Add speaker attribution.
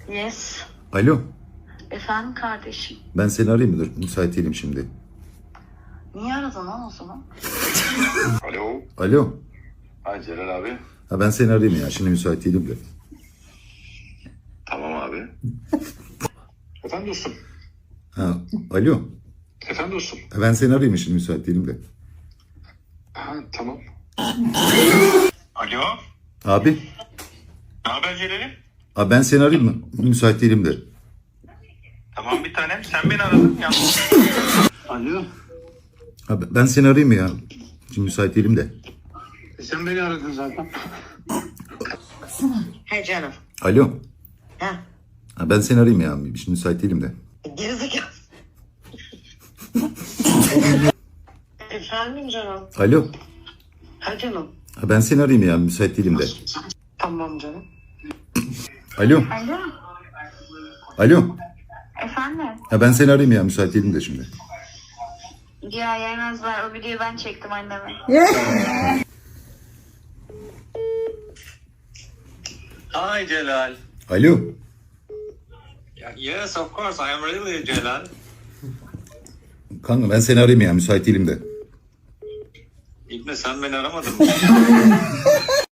Speaker 1: Yes.
Speaker 2: Alo,
Speaker 1: Efendim kardeşim.
Speaker 2: ben seni arayayım mı? Dur, müsait değilim şimdi.
Speaker 1: Niye aradın lan o zaman?
Speaker 3: Alo.
Speaker 2: Alo,
Speaker 3: Ha Celal abi.
Speaker 2: ha ben seni arayayım ya. Şimdi müsait değilim de.
Speaker 3: Tamam abi. Efendim dostum.
Speaker 2: Ha, alo,
Speaker 3: Efendim dostum.
Speaker 2: ha ben seni arayayım şimdi müsait değilim de.
Speaker 3: Ha tamam. Alo.
Speaker 2: Abi,
Speaker 3: Ne haber Celal'im?
Speaker 2: ha ben seni arayayım mı? Müsait değilim de.
Speaker 3: Tamam bir tanem. Sen beni aradın ya. Alo.
Speaker 2: Ha ben seni arayayım mı ya? Şimdi müsait değilim de.
Speaker 3: Sen beni aradın zaten.
Speaker 1: He canım.
Speaker 2: Alo,
Speaker 1: Ha.
Speaker 2: ha ben seni arayayım ya. Şimdi müsait değilim de.
Speaker 1: Gerizekalı. Efendim canım.
Speaker 2: Alo,
Speaker 1: Ha canım.
Speaker 2: ha ben seni arayayım ya. Müsait değilim de.
Speaker 1: Tamam canım.
Speaker 2: Alo,
Speaker 4: Alo,
Speaker 2: alo,
Speaker 4: efendim?
Speaker 2: ha ben seni arayayım ya. Müsait değilim de şimdi.
Speaker 4: Ya yemezler, o videoyu ben çektim anneme.
Speaker 5: Hi, Celal.
Speaker 2: Alo,
Speaker 5: Yes, of course. I am really Celal.
Speaker 2: kanka ben seni arayayım ya. Müsait değilim de.
Speaker 5: İbne sen beni aramadın mı?